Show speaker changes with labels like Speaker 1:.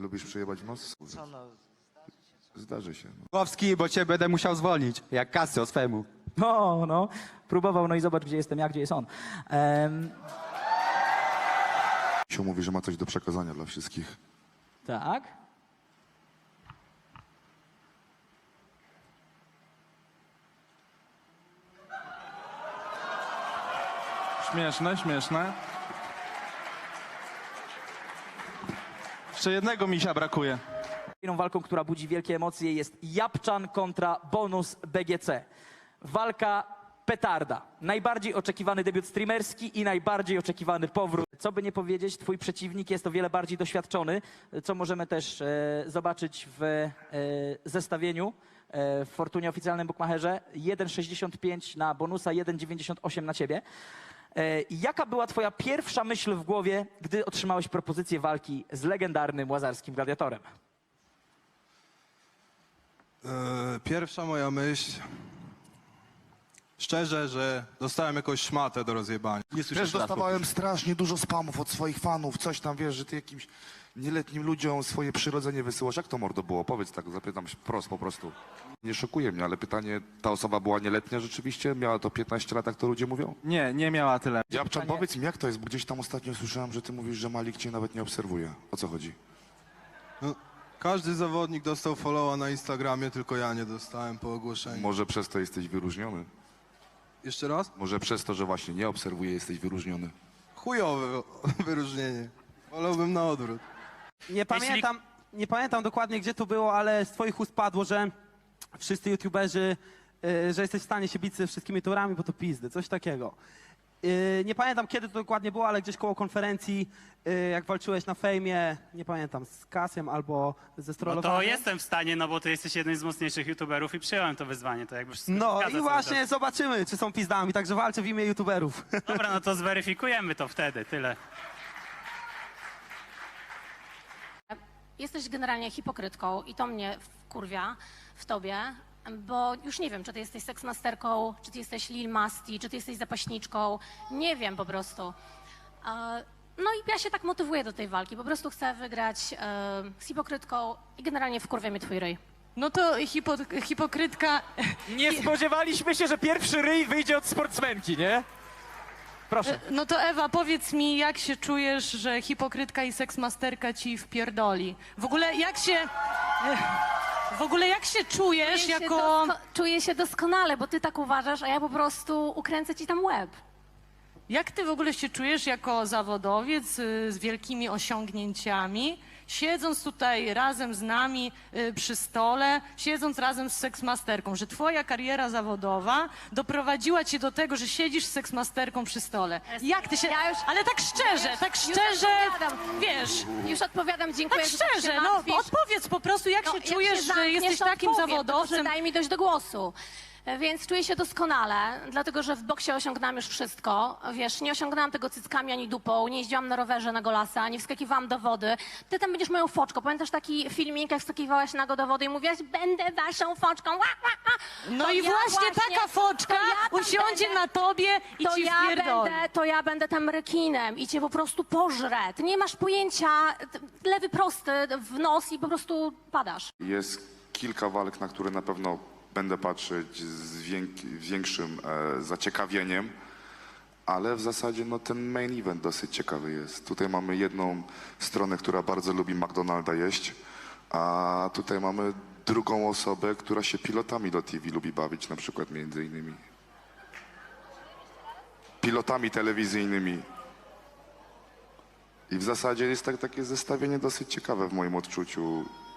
Speaker 1: Lubisz przejebać w nos?
Speaker 2: Co no?
Speaker 1: Zdarzy się. No.
Speaker 3: Kowski, bo cię będę musiał zwolnić, jak Casio swemu.
Speaker 4: No, próbował, no i zobacz, gdzie jestem ja, gdzie jest on.
Speaker 1: Cio mówi, że ma coś do przekazania dla wszystkich.
Speaker 4: Tak?
Speaker 2: Śmieszne, śmieszne. Jeszcze jednego misia brakuje.
Speaker 4: Kolejną walką, która budzi wielkie emocje, jest Japczan kontra Bonus BGC. Walka petarda. Najbardziej oczekiwany debiut streamerski i najbardziej oczekiwany powrót. Co by nie powiedzieć, twój przeciwnik jest o wiele bardziej doświadczony, co możemy też zobaczyć w zestawieniu w Fortunie oficjalnym Bookmacherze. 1,65 na Bonusa, 1,98 na ciebie. Jaka była twoja pierwsza myśl w głowie, gdy otrzymałeś propozycję walki z legendarnym łazarskim gladiatorem?
Speaker 5: Pierwsza moja myśl, szczerze, że dostałem jakąś szmatę do rozjebania. Nie słyszę
Speaker 1: Wiesz, dostawałem strasznie dużo spamów od swoich fanów, coś tam, wiesz, że ty jakimś nieletnim ludziom swoje przyrodzenie wysyłasz. Jak to, mordo, było? Powiedz tak, zapytam się wprost po prostu. Nie szokuje mnie, ale pytanie, ta osoba była nieletnia rzeczywiście? Miała to 15 lat, jak to ludzie mówią?
Speaker 2: Nie, nie miała tyle.
Speaker 1: Japczan, powiedz mi, jak to jest? Bo gdzieś tam ostatnio słyszałem, że ty mówisz, że Malik cię nawet nie obserwuje. O co chodzi?
Speaker 5: No, każdy zawodnik dostał followa na Instagramie, tylko ja nie dostałem po ogłoszeniu.
Speaker 1: Może przez to jesteś wyróżniony?
Speaker 5: Jeszcze raz?
Speaker 1: Może przez to, że właśnie nie obserwuje, jesteś wyróżniony?
Speaker 5: Chujowe wyróżnienie. Wolałbym na odwrót.
Speaker 3: Nie pamiętam dokładnie, gdzie to było, ale z twoich ust padło, że wszyscy youtuberzy, że jesteś w stanie się bić ze wszystkimi torami, bo to pizdy, coś takiego. Nie pamiętam, kiedy to dokładnie było, ale gdzieś koło konferencji, jak walczyłeś na fejmie, nie pamiętam, z Kasiem albo ze
Speaker 6: No
Speaker 3: strollowaniem.
Speaker 6: to jestem w stanie, no bo ty jesteś jednym z mocniejszych youtuberów i przyjąłem to wyzwanie, to jakby wszystko się
Speaker 3: No
Speaker 6: zgadza
Speaker 3: i
Speaker 6: cały
Speaker 3: właśnie
Speaker 6: czas.
Speaker 3: zobaczymy, czy są pizdami, także walczę w imię youtuberów.
Speaker 6: Dobra, no to zweryfikujemy to wtedy, tyle.
Speaker 7: Jesteś generalnie hipokrytką i to mnie wkurwia w tobie, bo już nie wiem, czy ty jesteś seksmasterką, czy ty jesteś Lil Masti, czy ty jesteś zapaśniczką, nie wiem po prostu. No i ja się tak motywuję do tej walki, po prostu chcę wygrać z hipokrytką i generalnie wkurwia mnie twój ryj.
Speaker 8: No to hipokrytka...
Speaker 4: Nie spodziewaliśmy się, że pierwszy ryj wyjdzie od sportsmenki, nie? Proszę.
Speaker 8: No to Ewa, powiedz mi, jak się czujesz, że hipokrytka i seksmasterka ci wpierdoli? W ogóle jak się... W ogóle jak się czujesz jako...
Speaker 7: Czuję się doskonale, bo ty tak uważasz, a ja po prostu ukręcę ci tam łeb.
Speaker 8: Jak ty w ogóle się czujesz jako zawodowiec z wielkimi osiągnięciami, siedząc tutaj razem z nami przy stole, siedząc razem z seksmasterką, że twoja kariera zawodowa doprowadziła cię do tego, że siedzisz z seksmasterką przy stole. Jak ty się...
Speaker 7: Ja już-
Speaker 8: Ale tak szczerze, wiesz...
Speaker 7: Już odpowiadam, dziękuję.
Speaker 8: Tak
Speaker 7: że tak się
Speaker 8: szczerze, no
Speaker 7: martwisz.
Speaker 8: odpowiedz po prostu, jak się
Speaker 7: Jak
Speaker 8: czujesz, że
Speaker 7: zamkniesz,
Speaker 8: jesteś
Speaker 7: to
Speaker 8: takim
Speaker 7: odpowiem,
Speaker 8: zawodowcem.
Speaker 7: tylko że daj mi dojść do głosu. Więc czuję się doskonale, dlatego że w boksie osiągnęłam już wszystko. Wiesz, nie osiągnęłam tego cyckami ani dupą, nie jeździłam na rowerze na golasa, nie wskakiwałam do wody. Ty tam będziesz moją foczką. Pamiętasz taki filmik, jak wskakiwałaś nago do wody i mówiłaś, będę waszą foczką. Ła, ła, ła.
Speaker 8: No
Speaker 7: To
Speaker 8: i
Speaker 7: ja
Speaker 8: właśnie taka foczka
Speaker 7: to ja tam
Speaker 8: usiądzie
Speaker 7: będę-
Speaker 8: na tobie i ci wpierdoli.
Speaker 7: to ja będę tam rekinem i cię po prostu pożrę. Ty nie masz pojęcia, lewy prosty w nos i po prostu padasz.
Speaker 1: Jest kilka walk, na które na pewno będę patrzeć z większym zaciekawieniem, ale w zasadzie no, ten main event dosyć ciekawy jest. Tutaj mamy jedną stronę, która bardzo lubi McDonalda jeść, a tutaj mamy drugą osobę, która się pilotami do TV lubi bawić, na przykład między innymi pilotami telewizyjnymi. I w zasadzie jest takie zestawienie dosyć ciekawe w moim odczuciu.